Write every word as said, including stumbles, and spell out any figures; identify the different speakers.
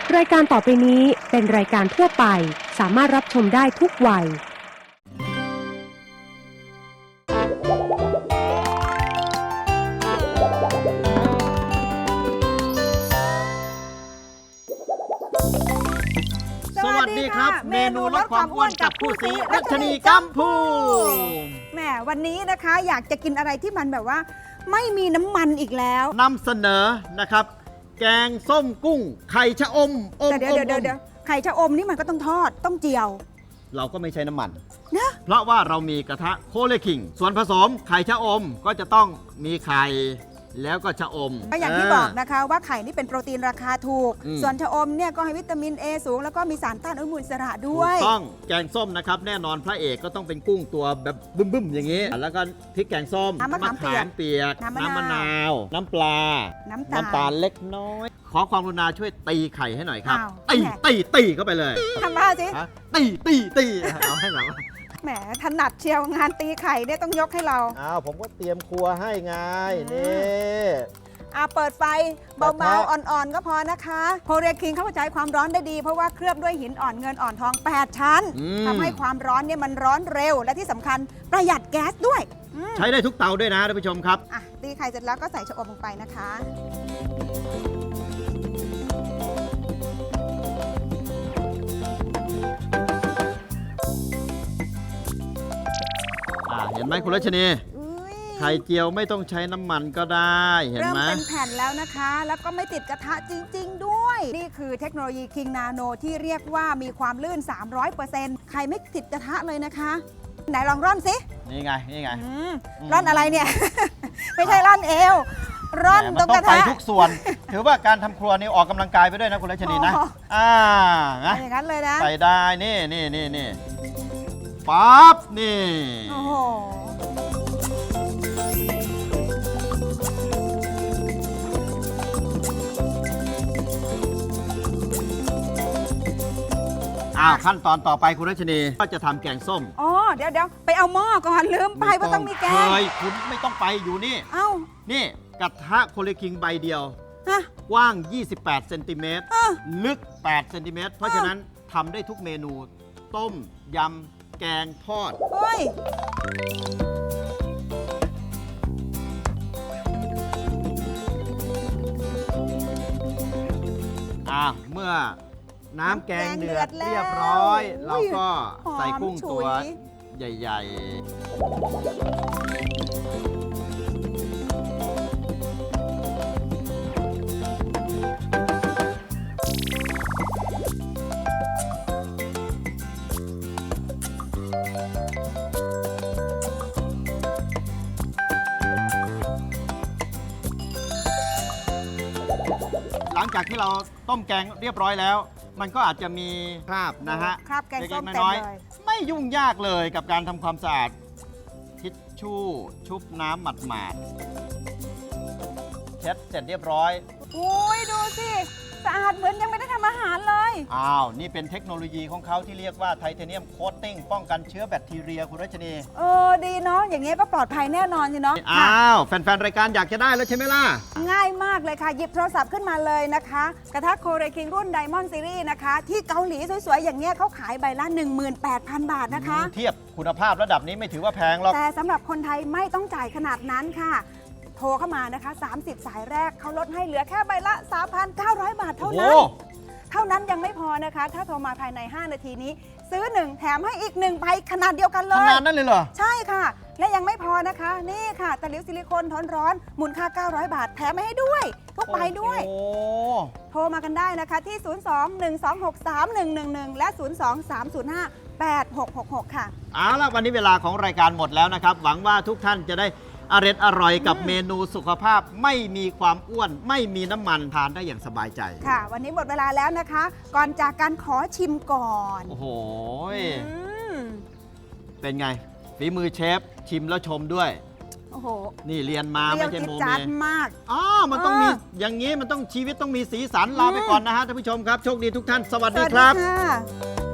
Speaker 1: รายการต่อไปนี้เป็นรายการทั่วไปสามารถรับชมได้ทุกวัย
Speaker 2: สวัสดีครับเมนูลดความอ้วนกับคู่ซีรัชนีกัมพู
Speaker 3: แหมวันนี้นะคะอยากจะกินอะไรที่มันแบบว่าไม่มีน้ำมันอีกแล้ว
Speaker 2: นำเสนอนะครับแกงส้มกุ้งไข่ชะอมอม
Speaker 3: เดี๋ยวเดี๋ยวเดี๋ยวไข่ชะอมนี่มันก็ต้องทอดต้องเจียว
Speaker 2: เราก็ไม่ใช้น้ำมัน
Speaker 3: นะ
Speaker 2: เพราะว่าเรามีกระทะโคเลคิงส่วนผสมไข่ชะอมก็จะต้องมีไข่แล้วก็ชะอม
Speaker 3: ก็อย่างที่บอกนะคะว่าไข่นี่เป็นโปรตีนราคาถูกส่วนชะอมเนี่ยก็ให้วิตามิน A สูงแล้วก็มีสารต้านอนุมูลอิสระด้วย
Speaker 2: ถูกต้องแกงส้มนะครับแน่นอนพระเอกก็ต้องเป็นกุ้งตัวแบบบึ้มๆอย่างนี้แล้วก็พริกแกงส้ม
Speaker 3: มะขามเปียก
Speaker 2: น้ำมะนาวน้ำปลา
Speaker 3: น้ำ
Speaker 2: น้ำตาลเล็กน้อยขอความกรุณาช่วยตีไข่ให้หน่อยครับตี
Speaker 3: แหม
Speaker 2: ตีตีเข้าไปเลย
Speaker 3: ทำบ้าสิ
Speaker 2: ฮะตีตีตีเอาให้แบบว่า
Speaker 3: แหมถนัดเชียวงานตีไข่เนี่ยต้องยกให้เรา
Speaker 2: อ้าวผมก็เตรียมครัวให้ไงนี่
Speaker 3: อ่าเปิดไฟเบาๆอ่อนๆก็พอนะคะโพเรียคิงเขาใช้ความร้อนได้ดีเพราะว่าเคลือบด้วยหินอ่อนเงินอ่อนทองแปดชั้นทำให้ความร้อนเนี่ยมันร้อนเร็วและที่สำคัญประหยัดแก๊สด้วย
Speaker 2: ใช้ได้ทุกเตาด้วยนะท่านผู้ชมครับ
Speaker 3: อ่ะตีไข่เสร็จแล้วก็ใส่ชะอมลงไปนะคะ
Speaker 2: เห็นไหมคุณรัชนีไข่เจียวไม่ต้องใช้น้ำมันก็ได้เห็นไหม
Speaker 3: เริ่มเป็นแผ่นแล้วนะคะแล้วก็ไม่ติดกระทะจริงๆด้วยนี่คือเทคโนโลยีคิงนาโนที่เรียกว่ามีความลื่น สามร้อยเปอร์เซ็นต์ ไข่ไม่ติดกระทะเลยนะคะไหนลองร่อนสิ
Speaker 2: นี่ไงนี่ไง
Speaker 3: ร่อนอะไรเนี่ย ไม่ใช่ร่อนเอวร่อนตรงกระทะ
Speaker 2: ไปทุกส่วนถือว่าการทำครัวนี่ออกกำลังกายไปด้วยนะคุณรัชนีนะอ่า
Speaker 3: นะอย่างนั้นเลยนะ
Speaker 2: ใส่ได้นี่นี่นี่นี่ปั๊บนี่
Speaker 3: โอ้โห
Speaker 2: อ้าวขั้นตอนต่อไปคุณรัชนีก็จะทำแกงส้ม
Speaker 3: อ๋อเดี๋ยวเดี๋ยวไปเอาหม้อก่อนลืมไปว่าต้องมีแกง
Speaker 2: เฮ้ยคุณไม่ต้องไปอยู่นี่
Speaker 3: เอ้า
Speaker 2: นี่กระทะโคเลคิงใบเดียวกว้างยี่สิบแปดเซนติเมตรลึกแปดเซนติเมตรเพราะฉะนั้นทำได้ทุกเมนูต้มยำแกงทอด
Speaker 3: เฮ้ย
Speaker 2: อ่ะเมื่อน้ำแกงเดือดเรียบร้อยเราก็ใส่กุ้งตัวใหญ่ๆหลังจากที่เราต้มแกงเรียบร้อยแล้วมันก็อาจจะมีคราบนะฮะ
Speaker 3: คราบแกงส้มเต็มเลย
Speaker 2: ไม่ยุ่งยากเลยกับการทำความสะอาดทิชชู่ชุบน้ำหมาดๆเช็ดเสร็จเรียบร้อย
Speaker 3: โอ้ยดูสิสะอาดเหมือนยังไม่ได้ทำอาหารเลย
Speaker 2: อ้าวนี่เป็นเทคโนโลยีของเขาที่เรียกว่าไทเทเนียมโคตติ้งป้องกันเชื้อแบคทีเรียคุณรัชนี
Speaker 3: เออดีเนาะอย่างเงี้ยก็ปลอดภัยแน่นอนสิเนาะ
Speaker 2: อ้าวแฟนๆรายการอยากจะได้แล้วใช่ไหมล่ะ
Speaker 3: ง่ายมากเลยค่ะหยิบโทรศัพท์ขึ้นมาเลยนะคะกระทะโคเรคิงรุ่นไดมอนด์ซีรีส์นะคะที่เกาหลีสวยๆอย่างเงี้ยเขาขายใบละ หนึ่งหมื่นแปดพัน บาทนะคะ
Speaker 2: เทียบคุณภาพระดับนี้ไม่ถือว่าแพงหรอก
Speaker 3: แต่สำหรับคนไทยไม่ต้องจ่ายขนาดนั้นค่ะโทรเข้ามานะคะสามสิบสายแรกเขาลดให้เหลือแค่ใบละ สามพันเก้าร้อย บาทเท่านั้นเท่านั้นยังไม่พอนะคะถ้าโทรมาภายในห้านาทีนี้ซื้อหนึ่งแถมให้อีกหนึ่งใบขนาดเดียวกันเลย
Speaker 2: ขนาดนั้นเลยเหรอ
Speaker 3: ใช่ค่ะและยังไม่พอนะคะนี่ค่ะตะหลิวซิลิโคนทนร้อนมูลค่าเก้าร้อยบาทแถมให้ด้วยทุกใบด้วยโทรมากันได้นะคะที่ศูนย์ สอง หนึ่ง สอง หก สาม หนึ่ง หนึ่ง หนึ่งและศูนย์ สอง สาม ศูนย์ ห้า แปด หก หก หกค่ะ
Speaker 2: เอาล่ะวันนี้เวลาของรายการหมดแล้วนะครับหวังว่าทุกท่านจะได้อร่อยอร่อยกับเมนูสุขภาพไม่มีความอ้วนไม่มีน้ำมันทานได้อย่างสบายใจ
Speaker 3: ค่ะวันนี้หมดเวลาแล้วนะคะก่อนจากการขอชิมก่อน
Speaker 2: โอ้โหเป็นไงฝีมือเชฟชิมแล้วชมด้วย
Speaker 3: โอ้โห
Speaker 2: นี่เรียนมาไม่ใช่โมเม
Speaker 3: มาก
Speaker 2: อ๋อมันต้องมีอย่างนี้มันต้องชีวิตต้องมีสีสันลาไปก่อนนะฮะท่านผู้ชมครับโชคดีทุกท่านสวัสดีครับ